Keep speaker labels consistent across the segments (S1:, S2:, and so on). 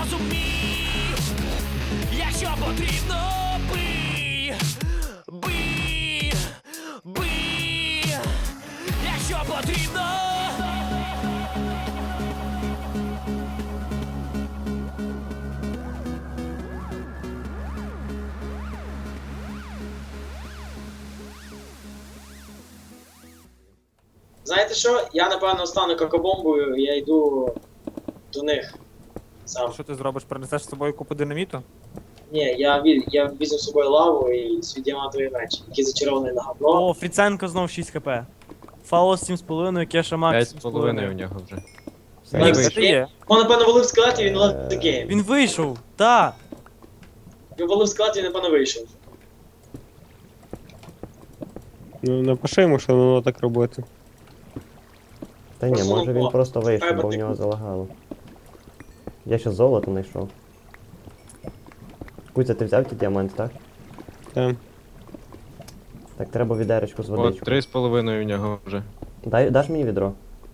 S1: розумій, якщо потрібно, бий, бий, бий, якщо потрібно.
S2: Знаєте що? Я напевно стану какобомбою, я йду до них сам.
S3: Що ти зробиш? Принесеш з собою купу динаміту?
S2: Ні, я візьму з собою лаву і свій діамантовий меч, який зачарований на говно.
S4: О, Фріценко знов 6 хп. Фаос 7,5, Кеша Макс
S5: 5,5 у
S4: 7,5.
S5: нього вже.
S3: Мік,
S2: вийшов.
S3: де ти є?
S2: Он, напевно, валив склад і він лeft the game.
S4: Він вийшов, та.
S2: Він валив склад і він, напевно, вийшов.
S6: Ну, напиши йому, що воно так робити.
S7: Та ні,
S2: Просто
S7: може він
S2: лупо.
S7: просто вийшов,
S2: Треба
S7: бо в
S2: ти
S7: нього
S2: купити.
S7: залагало. Я ще золото знайшов. Куця, ти взяв ті діаманти, так?
S6: Там.
S7: Так, треба відеречку з
S5: От,
S7: водичкою.
S5: 3,5 у нього вже.
S7: Даш мені відро?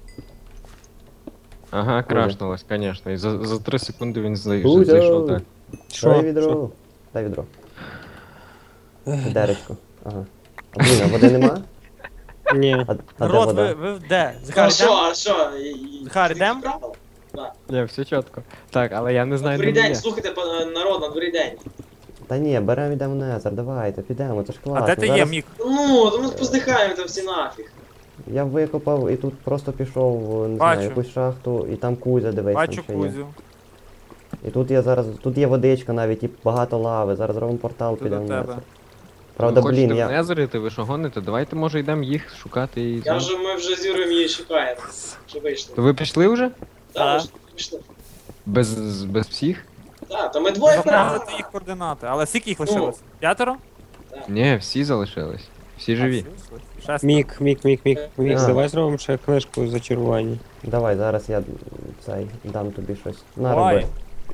S5: Ага, крашнулось, конечно. І за 3 секунди він
S7: Кузя!
S5: зайшов так.
S7: Дай відро. Дай відро. Відеречку. Ага. А, блін, а води нема?
S6: Ні.
S7: А де
S4: Народ,
S7: вода?
S4: ви де?
S2: А
S4: Захар,
S2: що,
S4: йдем?
S2: а що?
S4: Захар, йдем?
S5: Ні, все чітко. Так, але я не
S2: На
S5: знаю,
S2: дворі
S5: де
S2: день,
S5: є.
S2: слухайте, народ, на дворі день.
S7: Та ні, беремо йдемо в Незер, давайте, підемо, це ж класно.
S3: А де ти є,
S7: Зараз
S3: Мік?
S2: Ну, то ми поздихаємо там всі нафіг.
S7: Я викопав і тут просто пішов, не
S3: Бачу.
S7: знаю, якусь шахту, і там Кузя, дивись,
S3: Бачу
S7: там ще є.
S3: Кузю.
S7: І тут є зараз, тут є водичка навіть, і багато лави, зараз робимо портал,
S3: Тут
S7: підемо
S3: до
S7: в
S3: тебе.
S7: Незер. Правда,
S5: Ви хочете
S7: блін,
S5: в
S7: я...
S5: Незерити, ви що гоните? Давайте, може, йдемо їх шукати і...
S2: Ми вже з Юрою її шукаємо. Що вийшли.
S5: То ви пішли вже?
S2: Так, ми ж пішли.
S5: Без всіх?
S2: Так, то ми двоє
S3: Запам'ятати їх координати. Але скільки їх лишилось? П'ятеро?
S5: Ні, всі залишились. Всі живі.
S3: Шестеро.
S6: Мік,
S7: А.
S6: давай зробимо ще книжку зачарування.
S7: Давай, зараз я дам тобі щось. На,
S3: Давай.
S7: роби.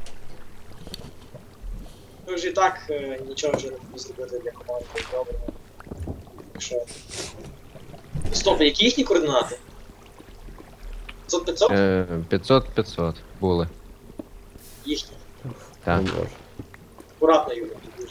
S2: Ми вже і так нічого вже не можемо зробити для команди. Добре. Так що. Стоп, які їхні координати? 500-500?
S5: 500 були.
S2: Їхні.
S5: Так.
S7: О, Боже.
S2: Акуратно, Юра, дуже.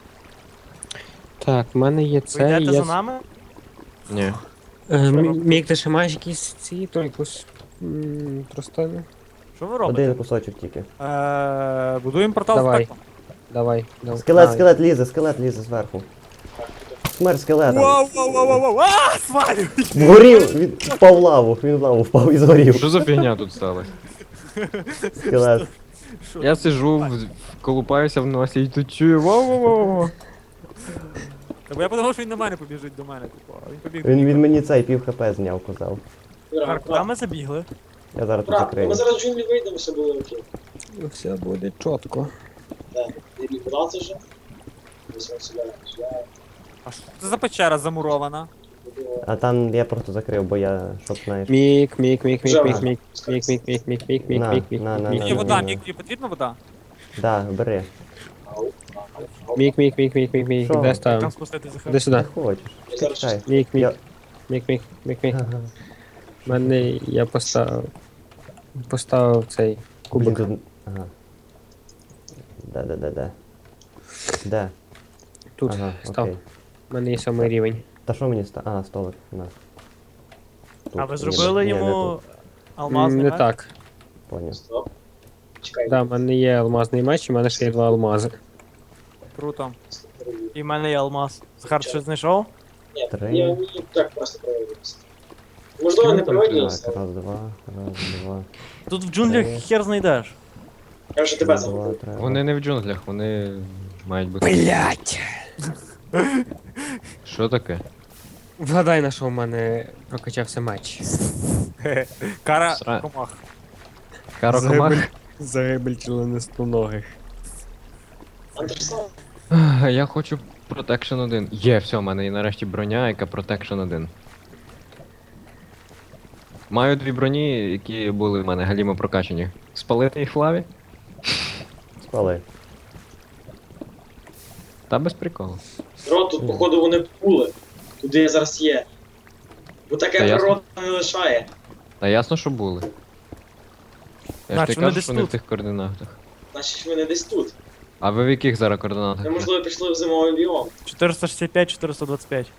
S6: Так, в мене є
S4: Ви
S6: це,
S4: йдете
S6: є...
S4: за нами?
S5: Ні.
S6: Мік, ти ще маєш якісь ці, то якусь... Просто...
S4: Що ви робите?
S7: Один кусочок тільки.
S3: Будуємо портал
S6: Давай.
S3: в пекло.
S6: Давай.
S7: Скелет лізе зверху. Смерть скелета.
S3: Вау, вау, вау, вау, вау, а, свалю!
S7: Згорів! Він впав в лаву, він в лаву впав і згорів.
S5: Що за фігня тут сталося?
S7: Скелет.
S5: Я сижу, колупаюся в носі і тут чую вау-вау-вау.
S3: Та бо я подумав, що він на мене побіжить до мене, типу, а він побіг до
S7: Він
S3: Міка.
S7: мені цей пів хп зняв, казав.
S2: Юра,
S4: Захар, куди ми забігли?
S7: Я зараз тут
S2: Брат,
S7: закрию.
S2: ми зараз в джунглі вийдемо, все буде окей.
S6: Все буде чітко.
S2: Так, не куди це вже? Ось он сюди,
S3: А що це за печера замурована?
S2: сюди.
S7: А там я просто закрив, бо я, щоб знаєш.
S6: Мік.
S7: На, на,
S3: Мені
S7: на,
S3: є
S7: на,
S3: вода,
S7: на.
S3: Мік, тобі потрібна вода?
S7: Да, бери.
S6: Мік,
S7: Що?
S6: де
S3: Там
S6: ставимо?
S3: спустити Захар.
S6: Іди
S7: Не
S6: сюди.
S7: хочеш.
S2: Я зараз
S7: Чекай.
S6: Мік.
S7: Я-
S6: В мене я поставив цей
S7: Блін,
S6: кубик.
S7: тут... Ага. Де?
S6: Тут
S7: Ага,
S6: став.
S7: окей.
S6: У мене є 7 рівень.
S7: Та що мені ста... А, столик, на. Тут.
S4: А ви
S7: Ні,
S4: зробили
S7: ні, не
S4: йому
S7: тут.
S4: алмазний
S6: Не
S4: меч?
S6: так.
S7: Поняв.
S2: Стоп. Чекай.
S6: Да, в мене є алмазний меч, і в мене ще є 2 алмази.
S3: Круто.
S4: І в мене є алмаз. Захар, ти щось знайшов?
S2: Ні,
S7: Три.
S2: я мені так просто проводився. Можливо, не проводився.
S7: Так, раз, два.
S4: Тут в джунглях
S7: Три.
S4: хер знайдеш.
S2: Я вже тебе
S7: Раз, два,
S2: забув.
S7: три.
S5: Вони не в джунглях, вони мають бути.
S6: Блять!
S5: Що таке?
S6: Вгадай, на що в мене прокачався меч.
S3: Кара
S5: Сра-
S3: комах.
S5: Карокомах?
S6: Загибель членистоногих.
S2: Андерсон.
S5: Я хочу Protection 1. Є, все, в мене є нарешті броня, яка Protection 1. Маю 2 броні, які були в мене галімо прокачані. Спалити їх в лаві?
S7: Спали.
S5: Та без приколу.
S2: Рот, тут, походу, вони були. Туди я зараз є. Бо таке
S5: Та ясно.
S2: природа не лишає.
S5: Та ясно, що були. Я ж
S4: Значить,
S5: не
S4: вони
S5: кажу,
S4: десь
S5: що вони в
S4: тут.
S5: тих координатах.
S2: Значить вони десь тут.
S5: А ви в яких зараз координатах?
S2: Ми, можливо, пішли в зимовий біом.
S4: 465, 425.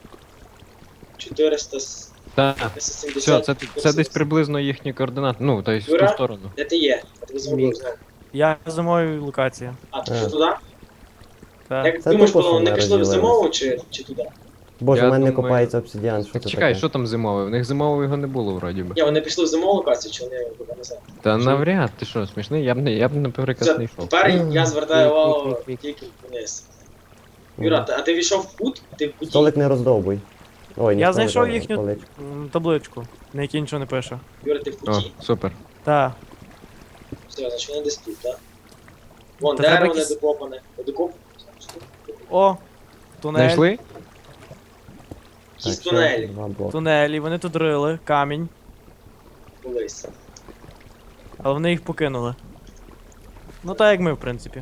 S2: 470.
S5: Так, все, це десь
S2: 470.
S5: приблизно їхні координати. Ну, тобто в ту
S2: Юра?
S5: сторону.
S2: Де ти є? Я тебе зробив знову.
S4: Я в зимовій локації.
S2: А, ти що туди?
S4: Так.
S2: Як
S7: Це
S2: думаєш,
S7: тупо, що
S2: вони
S7: ми
S2: пішли в
S7: розділились.
S2: зимову чи туди?
S7: Боже,
S5: Я
S7: у мене не
S5: думаю-
S7: копається обсидіан, що
S5: Так
S7: це
S5: чекай,
S7: таке?
S5: що там зимове? В них зимового його не було вроді би.
S2: Ні, вони пішли в зимову локацію, чи вони туди назад?
S5: Та навряд, ти що, смішний? Я б наприклад
S2: Все,
S5: не йшов.
S2: тепер я звертаю увагу
S6: Мік.
S2: тільки вниз. Юра, а ти війшов в кут? Ти в куті?
S7: Столик не роздовбуй. Ой, не
S4: Я
S7: столик,
S4: знайшов
S7: а
S4: їхню
S7: поличку.
S4: табличку, на якій нічого не пише.
S2: Юра, ти в
S5: О,
S2: куті?
S5: супер.
S4: Так.
S2: Все, значить вони десь тут, так? Вон,
S4: Та треба
S2: дерево не
S4: якісь-
S2: докопане. Не докопане?
S4: О, тунель.
S5: Знайшли?
S2: Якісь
S7: Так, ще
S2: тунелі
S7: два блоки.
S4: Тунелі, вони тут рили, камінь,
S2: колись.
S4: але вони їх покинули. Ну так як ми, в принципі.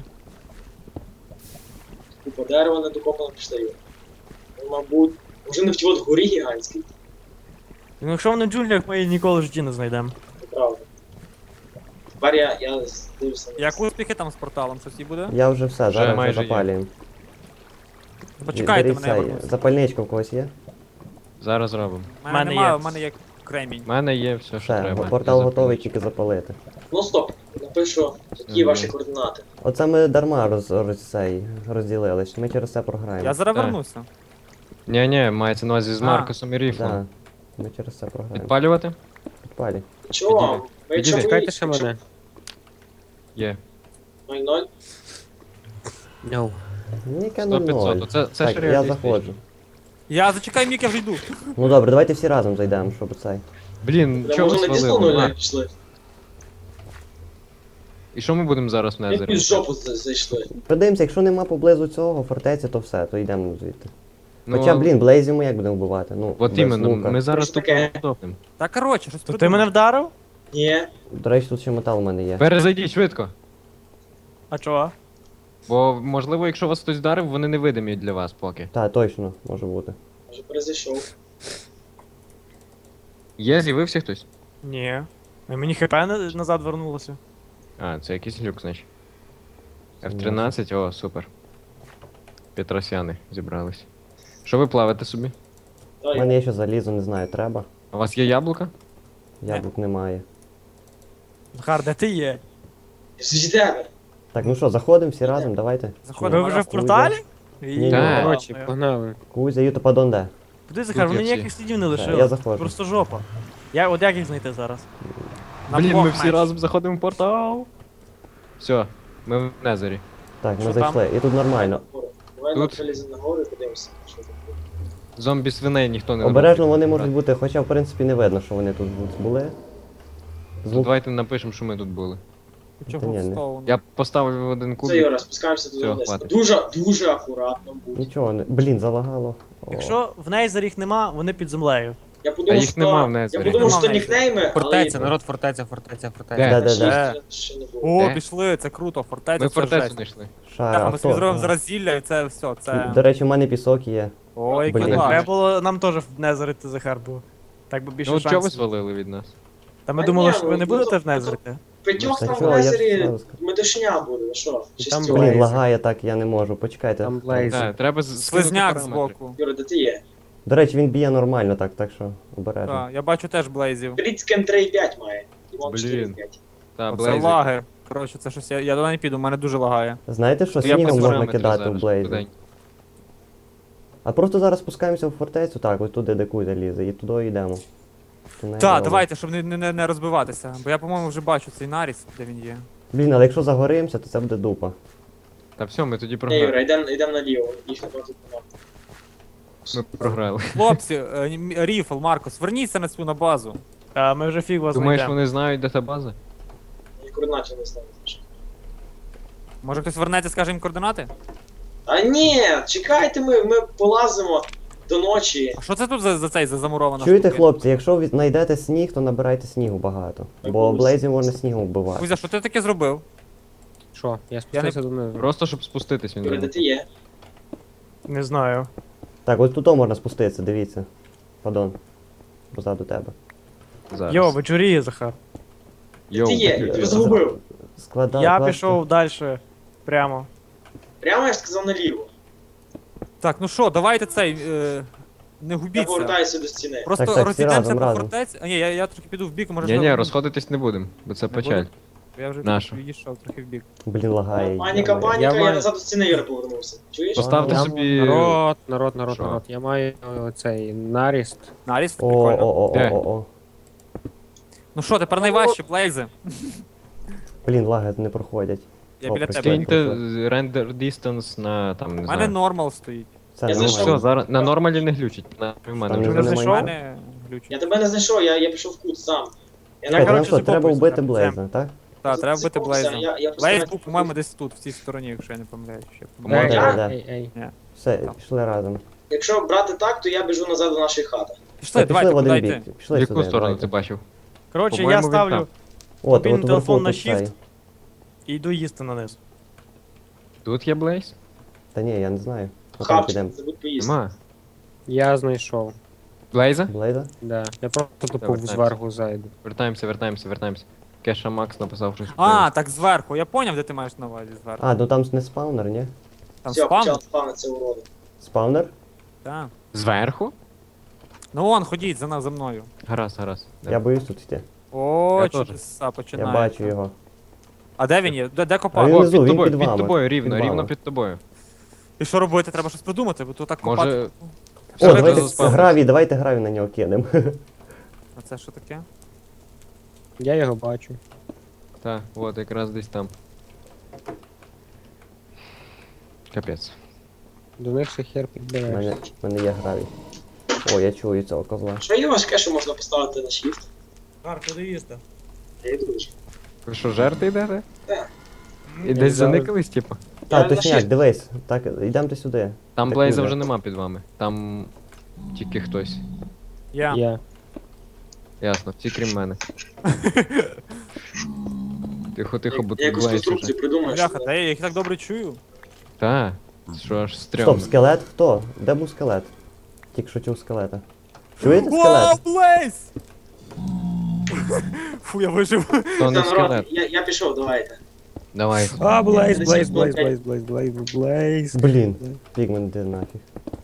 S2: Купа дерева не докопано, пішли Юра. Ну, мабуть, може не в тій от горі гігантській,
S4: Ну якщо вони в джунглях, ми її ніколи в житті не знайдемо.
S2: це правда. Тепер я дивлюся на
S3: Як успіхи там з порталом? Щось і буде?
S7: Я вже все, зараз вже
S5: майже є.
S7: запалюємо.
S3: Почекайте
S7: Беріть
S3: мене, я
S7: цей,
S3: вернусь.
S7: запальничка в когось є?
S5: Зараз робимо.
S3: У мене
S4: Мене
S3: немає,
S4: є.
S3: у мене є кремінь.
S5: У мене є все, що
S7: Все,
S5: треба.
S7: портал
S5: Я
S7: готовий,
S5: запалю.
S7: тільки запалити.
S2: Ну стоп, напишу, які
S5: Мгм.
S2: ваші координати.
S7: Оце ми дарма розділились, ми через це програємо.
S3: Я зараз
S5: Так.
S3: вернуся.
S5: Ні, мається на увазі з
S3: А.
S5: Маркосом і Ріфлом.
S7: Да, ми через це програємо.
S5: Підпалювати?
S7: Підпалі.
S2: Чого?
S5: Підійди.
S2: Ми
S5: Підійди.
S2: якщо
S6: Чекайте ще мене.
S5: Є.
S2: 0-0,
S6: No.
S7: Ніке
S5: 100-500.
S7: 0-0.
S5: Це
S7: Так,
S5: ж
S7: я
S5: реалістично.
S7: заходжу.
S3: Я зачекай, Мік, я вже йду.
S7: Ну добре, давайте всі разом зайдемо, щоб цей.
S5: Блін,
S2: Та
S5: чого ви
S2: може не дійсно
S5: свалили?
S2: 0
S5: А,
S2: пішли.
S5: І що ми будемо зараз в
S2: Як
S5: Незері?
S2: під жопу зайшли.
S7: Подивимося, якщо нема поблизу цього фортеці, то все, то йдемо звідти.
S5: Ну,
S7: Хоча, блін, блейзів ми як будемо вбивати? Ну,
S5: От
S7: без
S5: іменно,
S7: лука.
S5: ми зараз
S2: Що
S5: тут
S2: таке?
S5: готовимо.
S3: Та коротше, щось
S4: То ти
S3: придумай.
S4: мене вдарив?
S2: Ні.
S7: До речі, тут ще метал у мене є.
S5: Перезайдіть швидко.
S4: А чого?
S5: Бо, можливо, якщо вас хтось вдарив, вони невидимі для вас поки.
S7: Так, точно, може бути.
S2: Може перезайшов.
S5: Є, з'явився хтось?
S4: Ні. А мені хп назад вернулося.
S5: А, це якийсь люк, значить. F13, о, супер. Петросяни зібрались. Що ви плавите собі?
S7: У мене є ще залізо, не знаю, треба.
S5: А у вас є яблука?
S7: Яблук немає.
S4: Захар, де ти є?
S2: З тебе.
S7: Так, ну що, заходимо всі разом, давайте.
S3: Заходимо.
S4: Ви вже в
S7: Кузя.
S4: порталі?
S7: Ні,
S5: Так.
S6: Коротше, погнали.
S7: Кузя, Юта, падон де?
S4: Куди, Захар,
S5: Тут
S4: вони
S5: є всі.
S4: ніяких слідів не
S7: Я
S4: лишили.
S7: заходжу.
S4: Просто жопа. От як їх знайти зараз?
S3: На
S5: Блін,
S3: блок
S5: ми всі
S3: меч.
S5: разом заходимо в портал. Все, ми в Незері.
S7: Так, ми
S3: Що
S7: зайшли. І тут нормально.
S2: Давай
S5: Тут?
S2: виліземо на гору і подивимося, що там буде.
S5: Зомбі свиней ніхто не
S7: Обережно
S5: набуде.
S7: вони можуть бути, хоча в принципі не видно, що вони тут були.
S5: То
S7: Звук.
S5: давайте напишемо, що ми тут були.
S3: Чого
S7: Та ні,
S3: в
S7: не.
S3: стоун?
S5: Я поставив один
S2: Все,
S5: кубик.
S2: Юра, спускаємося туди
S5: Всього,
S2: вниз.
S5: хватить.
S2: Дуже акуратно будь.
S7: Нічого не. Блін, залагало. О.
S4: Якщо в Нейзер їх нема, вони під землею.
S2: Я подумав,
S5: їх
S2: що...
S5: нема в
S2: Я
S5: Незері.
S2: подумав, що
S3: Нема в
S2: нікнейми,
S6: Фортеця,
S2: але...
S6: народ, фортеця.
S5: Де?
S7: Да.
S2: Ще не було.
S3: О,
S5: Де?
S3: пішли, це круто, фортеця,
S5: Ми
S3: це
S5: фортецю
S3: жесть.
S5: знайшли.
S7: Шара,
S3: Так,
S7: а
S3: ми собі
S7: хто?
S3: зробимо зараз зілля і це все, це...
S7: До речі, у мене пісок є.
S3: Ой,
S7: Блін.
S3: клас.
S4: Треба було нам теж в Незерити, Захар, був. Так би більше
S5: Ну, чого ви
S4: шансів.
S5: свалили від нас?
S4: Та ми
S2: А
S4: думали,
S2: ні,
S4: що ви не
S2: ну,
S4: будете
S2: ну,
S4: в Незерити.
S2: П'ятьох
S7: Та
S2: там
S7: чого,
S2: в
S7: я ж
S2: лазері
S7: зразу сказав.
S2: метушня буде, ну що?
S6: І
S2: Шістьох.
S6: там
S7: Блін,
S6: Блейзи.
S7: лагає так, я не можу. Почекайте.
S6: Там Блейзи.
S5: Так, треба скинути
S3: Слизняк
S5: параметри.
S3: збоку.
S2: Юра, де ти є?
S7: До речі, він б'є нормально, так що обережно.
S3: Так, я бачу теж блейзів.
S2: Брідскен 3,5 має. Іван
S5: Блін.
S2: 4,5.
S5: Та,
S3: Оце
S5: Блейзи.
S3: лаги. Коротше, це щось, я туди не піду, у мене дуже лагає.
S7: Знаєте, що
S5: Я
S7: снігом
S5: без
S7: можна
S5: параметрів
S7: кидати в
S5: зараз,
S7: блейзі?
S5: швиденько.
S7: А просто зараз спускаємося в фортецю, так, ось туди, де Кузя лізе, і туди йдемо. Тунель
S3: Так,
S7: робимо.
S3: давайте, щоб не розбиватися. Бо я, по-моєму, вже бачу цей наріс, де він є.
S7: Блін, але якщо загоримося, то це буде дупа.
S5: Та все, ми тоді
S2: Ні,
S5: програли.
S2: Юра, йдемо наліво. Їх не тут нема.
S5: Ми програли.
S3: Хлопці, Ріфл, Маркос, верніться на цю на базу.
S4: А ми вже фіг вас
S5: Думаєш,
S4: знайдемо.
S5: вони знають, де та база?
S2: І координатів не знаю.
S3: Може хтось вернеться, скаже їм координати?
S2: А ні, чекайте, ми полазимо до ночі.
S3: А що це тут за замурована
S7: Чуєте,
S3: штука?
S7: хлопці, якщо ви знайдете сніг, то набирайте снігу багато. Бо
S2: Кузя.
S7: блейзів можна снігом вбивати.
S3: Кузя, що ти таке зробив?
S6: Що? Я спустився до низу.
S5: Просто щоб спуститись він
S2: Юра, де
S5: зробив.
S2: ти є?
S4: Не знаю.
S7: Так, ось тут можна спуститися, дивіться. Падон. Позаду тебе.
S5: Зараз.
S4: Йо, вечоріє, Захар.
S5: Йоу,
S2: Ти є,
S5: такі
S2: я тебе
S5: діла.
S2: загубив.
S7: складати.
S4: Я пішов далі. Прямо.
S2: Прямо я ж сказав наліво.
S3: Так, ну що, давайте цей. Не
S2: Я
S3: губіться.
S2: повертаюся до стіни.
S3: Просто
S7: Так, всі
S3: розійдемося
S7: разом,
S3: по
S7: разом.
S3: фортеці. А ні, я трохи піду в бік, може.
S5: Ні, ні,
S3: знову-
S5: розходитись не будемо, бо це
S3: Не
S5: печаль.
S3: будемо? Я вже
S5: Нащо?
S3: відійшов трохи в бік.
S7: Блін, лагає.
S2: Паніка,
S7: йо-моє.
S2: паніка, я
S6: маю-
S2: назад до стіни Юра повернувся. Чуєш?
S5: Поставте
S6: Я-
S5: собі.
S6: Народ.
S5: Що?
S6: Я маю цей наріст.
S3: Наріст,
S7: О,
S3: прикольно.
S7: о, о,
S5: Де?
S7: о, о.
S3: Ну що, тепер найважче, Блейзи.
S7: Блін, лаги не проходять.
S3: Я
S7: О,
S3: біля
S7: прости.
S3: тебе.
S5: Киньте render distance на там, не
S3: У мене
S5: знаю.
S3: нормал стоїть.
S7: Це
S2: Я
S5: Ну
S2: зайшов.
S5: все, зараз на нормалі не глючить. На в мене
S7: Там
S5: вже
S7: не
S3: Ти
S7: знаю.
S5: глючить.
S3: знайшов?
S7: немає?
S3: Мене глючить.
S2: Я тебе не знайшов, я пішов в кут сам. Я
S3: Я,
S7: Так,
S3: коротше,
S7: нам що, треба
S3: закопуюся
S7: вбити
S3: там,
S7: Блейза, так?
S3: Так, треба вбити
S2: Закопався,
S3: Блейза.
S2: я
S3: Блейз
S2: постараюсь-
S3: був, по-моєму, десь тут, в цій стороні, якщо я не помиляюсь. Ще
S7: Може,
S6: Ей,
S7: да.
S6: ей.
S7: Все,
S3: Так.
S7: пішли разом.
S2: Якщо брати так, то я біжу назад до нашої хати.
S3: Пішли,
S7: Так,
S3: давайте,
S7: пішли в
S3: куди
S7: один
S3: йти?
S7: бік.
S5: В
S7: Пішли
S5: яку
S7: сюди,
S5: сторону ти
S7: давайте.
S5: бачив?
S4: Коротше, я
S5: По-моєму, він
S4: ставлю
S5: там.
S7: От,
S4: мобільний
S7: от
S4: телефон на
S7: тут цей.
S4: shift. і йду їсти на низ.
S5: Тут є Блейз?
S7: Та ні, я не знаю. Ну, там підемо.
S2: Хапчик, забудь поїсти.
S5: Нема.
S6: Я знайшов.
S5: Блейза?
S7: Блейда?
S6: Да. Я просто тупо
S5: Давай,
S6: зверху зайду.
S5: Вертаємося. Кеша Макс написав щось.
S3: А, так зверху. Я поняв, де ти маєш на увазі зверху.
S7: А, ну там не спаунер, ні?
S3: Там
S2: Все,
S3: спам?
S2: почав спавнитися уроди.
S7: Спаунер?
S3: Так.
S5: Зверху?
S3: Ну вон, ходіть за мною.
S5: Гаразд.
S7: Я боюсь тут йти.
S3: О,
S5: Я теж.
S3: чудеса
S7: Я
S3: починає.
S7: бачу його.
S3: А де він є? Де
S7: А
S3: копати?
S7: він
S5: О,
S7: внизу,
S5: під
S7: він
S5: тобою,
S7: під
S5: під
S7: вами.
S5: тобою,
S7: Під
S5: рівно
S7: вами.
S5: під тобою.
S3: І що робити? Треба щось придумати, бо то так копати.
S5: Може.
S7: О,
S5: Все,
S7: давайте
S5: заспавнився.
S7: гравій, давайте гравій на нього кинемо.
S3: А це що таке?
S6: Я його бачу.
S5: Так, от якраз десь там. Капець.
S6: До них ще хер
S7: У
S6: підбереш.
S7: мене є гравій. О, я чую цього козла.
S2: Що є важке, що можна поставити на shift?
S3: Гар, куди їсти?
S2: Я йду вже.
S5: Ви що, жерти йдете?
S2: Так.
S5: І десь заникались, типу?
S7: Так,
S2: на
S7: точняк,
S2: shift.
S7: дивись. Так, йдемте сюди.
S5: Там
S7: Так,
S5: Блейза
S7: Юля.
S5: вже нема під вами. Там тільки хтось.
S3: Я.
S6: Я.
S5: Ясно, всі крім мене. Тихо, бо
S2: Я
S5: тут
S2: якусь
S5: Блейз уже.
S2: конструкцію придумаю.
S3: Бляха,
S2: що-
S3: та я їх так добре чую.
S5: Та, що аж стрьомно.
S7: Стоп, скелет хто? Де був скелет? Тільки що чув скелета. Чуєте
S3: Вау,
S7: скелет?
S3: Блейз! Фу, я вижив.
S5: То
S2: Та,
S5: не
S2: народ,
S5: скелет.
S2: я пішов, давайте.
S5: Давай.
S6: А, Блейз,
S2: Десь
S6: Блейз,
S2: було
S6: Блейз,
S2: п'ять.
S6: Блейз, Блейз, Блейз.
S7: Блін, пігмен де нафіг.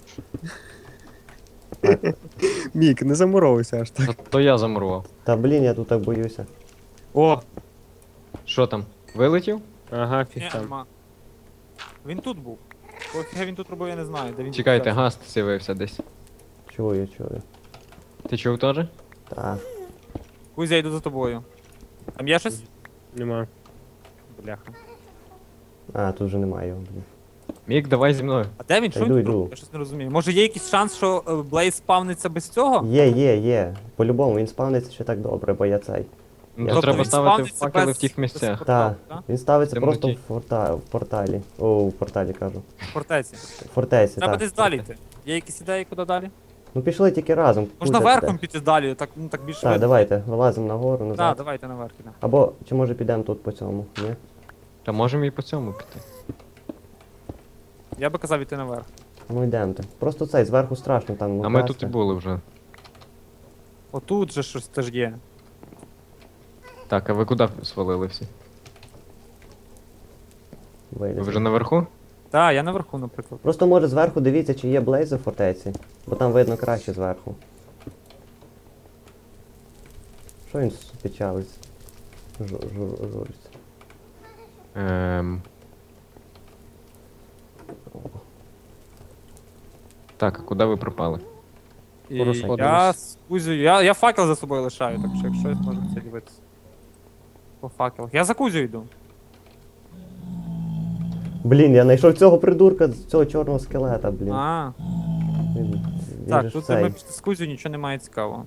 S6: Мік, не замуровуйся аж так.
S5: То я замурував.
S7: Та блін, я тут так боюся.
S6: О!
S5: Що там? Вилетів?
S6: Ага,
S3: Ні,
S6: фіг там.
S3: нема. Він тут був. Пофіга він тут робив, я не знаю. Де він
S5: Чекайте,
S3: тут
S5: гаст з'явився десь.
S7: Чую.
S5: Ти чув теж?
S7: Та.
S3: Кузя, я йду за тобою. Там є щось?
S6: Нема.
S3: Бляха.
S7: А, тут вже немає його, блін.
S5: Мік, давай зі мною.
S3: А де він?
S7: Та
S3: Що він
S7: йду,
S3: тут
S7: йду.
S3: робить? Я щось не розумію. Може є якийсь шанс, що Блейз спавниться без цього?
S7: Є. По-любому, він спавниться ще так добре, бо я цей.
S5: Ну,
S7: Я
S5: то
S7: тут
S5: треба
S3: він
S5: ставити
S3: спавниться
S5: факели
S3: без-
S5: в тих місцях.
S3: без порталу,
S7: Та,
S3: так?
S7: він ставиться
S5: Темноті.
S7: просто в порталі. О, в порталі кажу.
S3: В фортеці.
S7: В фортеці,
S3: Треба
S7: так.
S3: десь далі йти. Є якісь ідеї, куди далі?
S7: Ну пішли тільки разом.
S3: Можна
S7: Кузя
S3: верхом
S7: піде.
S3: піти далі, так, ну, так більше
S7: Так,
S3: видно.
S7: давайте, вилазимо нагору,
S3: Так,
S7: назад.
S3: давайте наверх ідемо.
S7: Або, чи може підемо тут по цьому, ні?
S5: Та можемо і по цьому піти.
S3: Я би казав іти наверх.
S7: Ну йдемте. Просто цей, зверху страшно там.
S5: А ми
S7: упасти.
S5: тут і були вже.
S3: Отут же щось теж є.
S5: Так, а ви куди свалили всі? Ви
S7: Вилізли.
S5: вже наверху?
S3: Так, я наверху, наприклад.
S7: Просто може зверху дивіться, чи є блейзи в фортеці, бо там видно краще зверху. Що він печалиться? Журиться.
S5: Так, а куди ви пропали?
S3: І
S6: Порозходились.
S3: я з Кузею, я факел за собою лишаю, так що якщо щось можемо це дивитися. По факелах. Я за Кузею йду.
S7: Блін, я знайшов цього придурка, цього чорного скелета, блін.
S3: А,
S7: Він же
S3: так,
S7: ж
S3: тут
S7: цей.
S3: ми пішли з Кузею, нічого немає цікавого.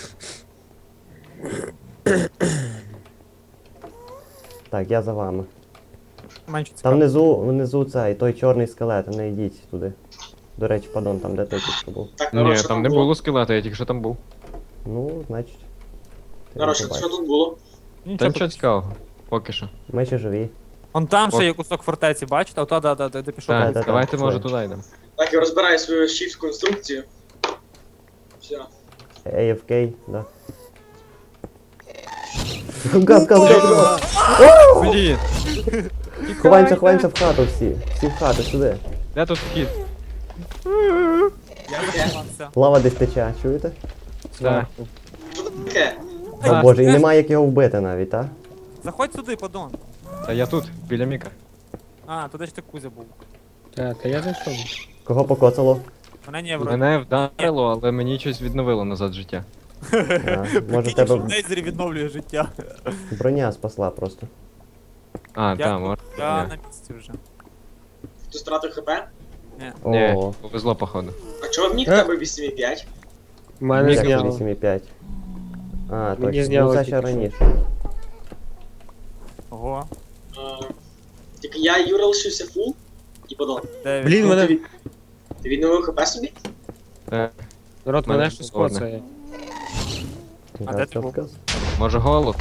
S7: Так, я за вами.
S3: Менше
S7: Там
S3: цікаво.
S7: внизу цей, той чорний скелет, не йдіть туди. До речі, падон, там де той тільки був.
S2: Так, народ,
S5: Ні,
S2: що
S5: там не було скелета, я тільки що там був.
S7: Ну, значить. ти
S2: Народ,
S7: не
S2: що
S7: побачиш.
S2: тут було?
S5: Та
S3: Нічого.
S5: нічого цікавого. Поки що.
S7: Ми ще живі.
S3: Вон там ще
S5: От.
S3: є кусок фортеці, бачите? Ота, де пішов.
S7: Так,
S5: Так,
S7: так,
S5: давайте
S7: так,
S5: може
S7: пішли.
S5: туди йдемо.
S2: Так, я розбираю свою shift конструкцію. Все.
S7: AFK, да. Гав.
S5: Блін,
S7: Ховаємося в хату всі. Всі в хату, сюди.
S5: де тут вхід?
S3: Я заховався.
S7: Лава десь тече, чуєте?
S5: Так.
S2: Що це таке?
S7: О
S3: Так,
S7: боже, і
S3: знаєш,
S7: немає як його вбити навіть, так?
S3: Заходь сюди, подон.
S5: Та я тут, біля Міка.
S3: А, туди ж ти Кузя був.
S6: Та я зайшов.
S7: Кого покоцало?
S3: Мене не вроді.
S5: Мене вдарило, але мені щось відновило назад життя.
S7: А, може
S3: Прикинь,
S7: тебе
S3: що в Дейзері відновлює життя.
S7: броня спасла просто.
S5: А,
S3: Я,
S5: так, може.
S3: я
S5: Ні.
S3: на місці вже.
S2: Ти стратив хп?
S5: Ні,
S7: О,
S5: повезло, походу.
S2: А чого в мік тебе 8,5?
S6: У мене
S5: Міка
S7: як
S6: зняло.
S7: 8,5. А,
S6: Мені
S7: точно. Ну
S6: зняло
S7: це
S6: тільки
S7: ще
S6: що.
S7: раніше.
S3: Ого.
S2: Тільки я і Юра лишився фул і подон.
S3: Дев'ять.
S6: Блін,
S2: Ти,
S6: мене.
S2: ти відновив хп собі?
S6: Народ,
S5: мене
S6: мене щось
S5: холодно.
S6: коцає.
S3: А де ти був?
S5: Може голод?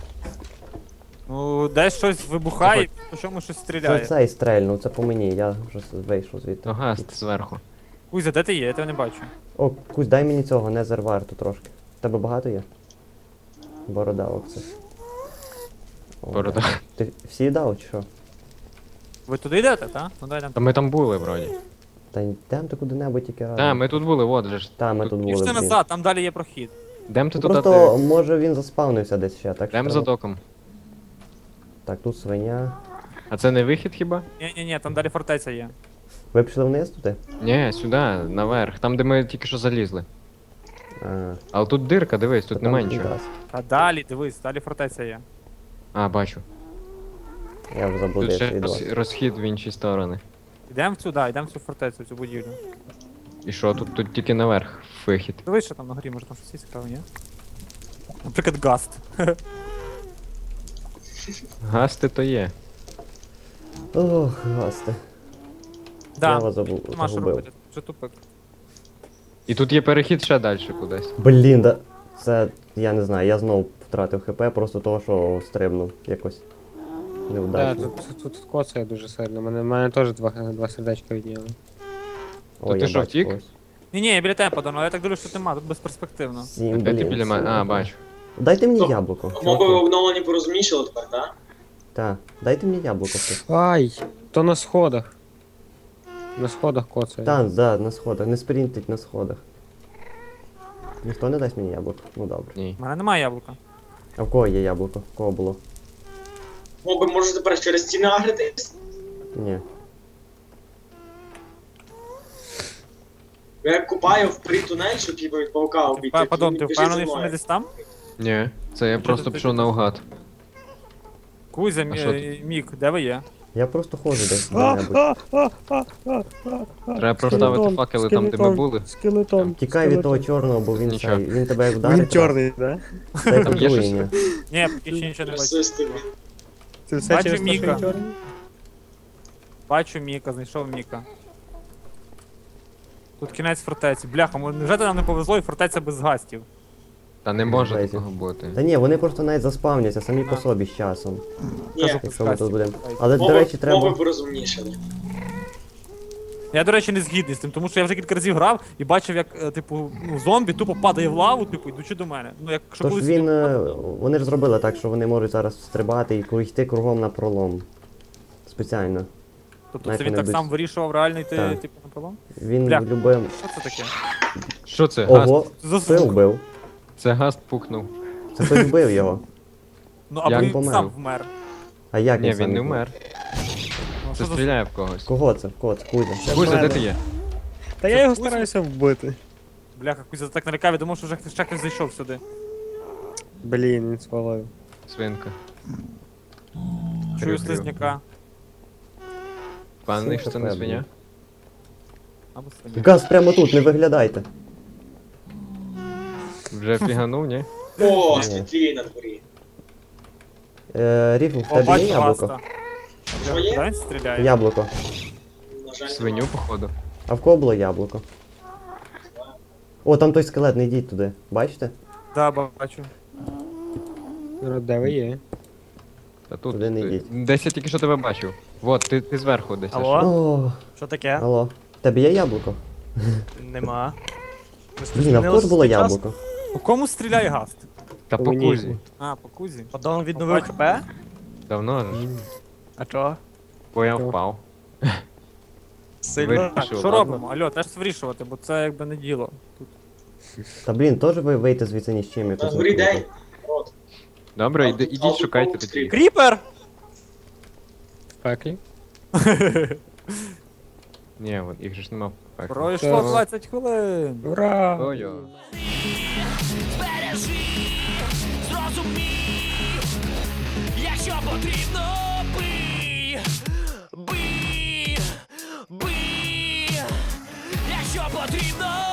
S3: Ну, десь щось вибухає, по чому щось
S7: Це
S3: стріляє.
S7: цей стрельнув, це по мені, я вже вийшов звідти.
S5: Ну, гаст зверху.
S3: Кузя, де ти є? Я тебе не бачу.
S7: О, Кузь, дай мені цього, не варту трошки. Тебе багато є? Борода, оце. О,
S5: Борода.
S7: Ти всі дав чи що?
S3: Ви туди йдете, так? Ну дай нам.
S5: Та ми там були, вроді.
S7: Та йдем ти куди-небудь тільки разом.
S5: Так, ми тут були, от же ж.
S7: Та, ми тут були.
S3: Пішли
S7: блін.
S3: назад, там далі є прохід.
S5: Дем ти
S7: Ну,
S5: туди?
S7: просто, може він заспавнився десь ще, так що
S5: Дем за
S7: треба-
S5: доком.
S7: Так, тут свиня.
S5: А це не вихід хіба?
S3: Ні, там далі фортеця є.
S7: Ви пішли вниз туди?
S5: Ні, сюди, наверх. Там, де ми тільки що залізли.
S7: А,
S5: Але тут дирка, дивись, тут
S7: то
S5: нема
S7: там
S5: нічого.
S7: підраз.
S3: А далі, дивись, далі фортеця є.
S5: А, бачу.
S7: Я вже
S5: Тут
S7: заблудився
S5: ще
S7: від вас.
S5: розхід в інші сторони.
S3: Йдемо сюди, йдемо в цю фортецю, в цю будівлю.
S5: І що, тут тільки наверх вихід.
S3: Дивись, що там на горі, може там щось є цікаве, ні? Наприклад, гаст.
S5: Гасти то є.
S7: Ох, гасти. Я
S3: Да,
S7: вас
S3: нема що
S7: загубив.
S3: робити, вже тупик.
S5: І тут є перехід ще далі кудись.
S7: Блін, да. Це, я не знаю, я знов втратив хп, просто того, що стрибнув якось.
S6: Так,
S7: Невдачно.
S6: тут коцає дуже сильно. Мене теж два сердечка відняли.
S7: Ой,
S5: ти
S7: я
S5: що,
S7: бачу
S5: втік?
S7: когось.
S3: Ні, я біля тебе подав, але я так дивлюсь, що тут нема, тут безперспективно.
S7: 7,
S5: Де ти
S7: блін.
S5: біля мене? А, бачу.
S7: Дайте мені
S2: Стоп.
S7: яблуко.
S2: Моби
S7: чуваки.
S2: обновлені порозумнішали тепер, так?
S7: Так, дайте мені яблуко. хтось.
S6: Ай, то на сходах. На сходах коцає.
S7: Так, да, на сходах. Не спринтить на сходах. Ніхто не дасть мені яблуко? Ну добре.
S5: Ні.
S3: У мене немає яблука.
S7: А в кого є яблуко? В кого було?
S2: Моби можуть тепер через стіни агритись?
S7: Ні.
S2: Я купаю в притунель, щоб типу від паука обійти.
S3: Подон, ти
S2: Біжи
S3: впевнений,
S2: за
S3: що
S2: мною.
S3: ми десь там?
S5: Ні, це я просто
S3: ти
S5: пішов
S3: тут?
S5: наугад.
S3: Кузя,
S5: А що
S3: Мік, де ви є?
S7: Я просто ходжу десь де-небудь.
S5: Треба проставити факели там, де ми були.
S6: Скелетон.
S7: Тікай від того чорного, бо він
S5: Нічого.
S7: цей. Він тебе як вдарить.
S6: Він чорний, да?
S7: Це
S5: Там є щось?
S7: отруєння.
S3: Ні, поки ще нічого не бачу.
S2: Расисти.
S6: Це все
S3: Бачу
S6: через те, що
S3: Міка.
S6: він чорний?
S3: Бачу Міка, знайшов Міка. Тут кінець фортеці. Бляха, невже нам не повезло і фортеця без гастів?
S5: Та не може
S7: Лезі.
S5: такого бути.
S7: Та ні, вони просто навіть заспавняться самі по собі з часом.
S2: Ні,
S7: Якщо ми тут будемо.
S3: Ай.
S7: Але, до речі,
S2: моби
S7: треба.
S2: порозумнішали.
S3: Я, до речі, не згідний з тим, тому що я вже кілька разів грав і бачив, як, типу, ну, зомбі тупо падає в лаву, типу, йдучи до мене. Ну, якщо
S7: Тож
S3: колись
S7: він. Вони ж зробили так, що вони можуть зараз стрибати і йти кругом на пролом. Спеціально.
S3: Тобто
S7: знаєте,
S3: це він
S7: вони
S3: так
S7: без-
S3: сам вирішував реально йти,
S7: Так.
S3: типу, на пролом?
S7: Він
S3: Бля.
S7: любив.
S3: Що це таке?
S5: Що це? Гаст?
S7: Ого,
S3: За
S7: це
S3: звук.
S7: вбив.
S5: Це гаст пукнув.
S7: Це хтось вбив його.
S3: Ну, або
S5: Як
S3: він
S7: помер?
S3: сам вмер.
S7: А як
S5: Ні,
S7: сам
S5: він не
S7: вбив?
S5: вмер.
S3: Ну,
S5: Це
S3: що за...
S5: стріляє в когось.
S7: Кого це? Кого це? Кузя.
S5: Кузя, де
S6: мене.
S5: ти є?
S6: Та я його стараюся вбити.
S3: Бляха, Кузя так налякав, я думав, що вже ще хтось зайшов сюди.
S6: Блін, він свалив.
S5: Свинка.
S3: Чую
S5: Крю-крю.
S3: слизняка.
S5: Впевнений, що це не
S7: Свинка,
S5: свиня?
S3: Або свиня.
S7: Газ прямо тут, не виглядайте.
S5: Вже фіганув, ні?
S2: О,
S7: Ні.
S2: світлі на дворі.
S7: Ріфл, в
S3: О,
S7: тебе є
S3: бачу
S7: яблуко?
S3: гаста.
S2: Що є?
S3: Да, він стріляє?
S7: Яблуко.
S2: На жаль,
S5: Свиню, походу.
S7: А в кого було яблуко? О, там той скелет, не йдіть туди. Бачите?
S3: Да, бачу.
S6: Народ, де ви є?
S5: Та тут.
S7: Туди не йдіть.
S5: Десь я тільки що тебе бачив. Вот, ти зверху десь.
S4: Алло?
S5: аж.
S7: О,
S4: Що таке?
S7: алло. В тебе є яблуко?
S4: Нема.
S7: Блін, а в кого ж було яблуко?
S3: По кому стріляє гаст?
S5: Та по
S6: Мені.
S5: кузі.
S3: А, по Кузі.
S4: Подон відновив ХП?
S5: Давно ж.
S4: А чого?
S5: Бо я
S6: Чого?
S5: впав.
S4: Сильно.
S3: Так,
S5: Вирішив,
S3: що
S5: ладно.
S3: робимо? Алло, теж вирішувати, бо це якби не діло. Тут.
S7: Та блін, теж ви вийти звідси ні з чим
S2: На
S7: якось.
S2: дворі
S7: не
S2: день. От.
S5: Добре,
S2: А тут- а
S5: ідіть
S2: тут
S5: шукайте
S2: повз
S5: тоді.
S2: стрій.
S4: Кріпер!
S6: В пеклі.
S5: Ні, от їх же ж нема в пеклі.
S3: Пройшло
S6: Так.
S3: 20 хвилин.
S6: Ура!
S5: Ой-ой.
S1: Збережи, зрозумій, якщо потрібно, бий, бий, бий, якщо потрібно,